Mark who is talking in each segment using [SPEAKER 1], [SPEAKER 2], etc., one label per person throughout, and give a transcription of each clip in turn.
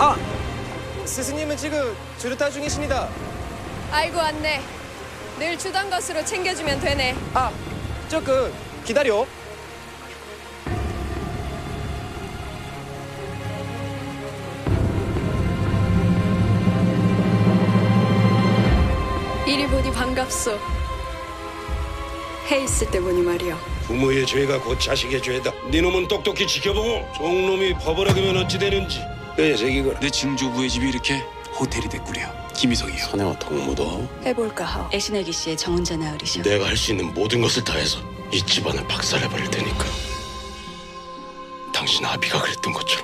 [SPEAKER 1] 아! 스승님은 지금 주르타 중이십니다.
[SPEAKER 2] 알고 왔네. 늘 주던 것으로 챙겨주면 되네.
[SPEAKER 1] 아! 조금 기다려.
[SPEAKER 2] 이리 보니 반갑소. 해 있을 때 보니 말이여.
[SPEAKER 3] 부모의 죄가 곧 자식의 죄다. 네 놈은 똑똑히 지켜보고 종놈이 퍼버려가면 어찌 되는지 뼈에 새기거라.
[SPEAKER 4] 내 증조부의 집이 이렇게 호텔이 됐구려. 김희석이요.
[SPEAKER 3] 사내와 동무도
[SPEAKER 2] 해볼까 하오.
[SPEAKER 5] 애신애기 씨의 정혼자 나으리셔.
[SPEAKER 3] 내가 할 수 있는 모든 것을 다해서 이 집안을 박살내버릴 테니까. 당신 아비가 그랬던 것처럼.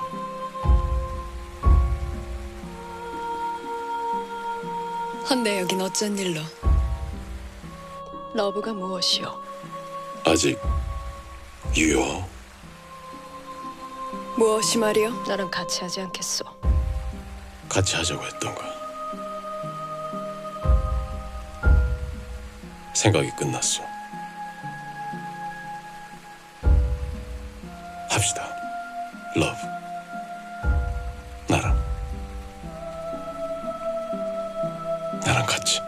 [SPEAKER 2] 헌데 여긴 어쩐 일로?
[SPEAKER 5] 러브가 무엇이오?
[SPEAKER 3] 아직 유효.
[SPEAKER 2] 무엇이 말이여?
[SPEAKER 5] 나랑 같이 하지 않겠소?
[SPEAKER 3] 같이 하자고 했던 거. 생각이 끝났어. 합시다. 러브. 나랑 같이.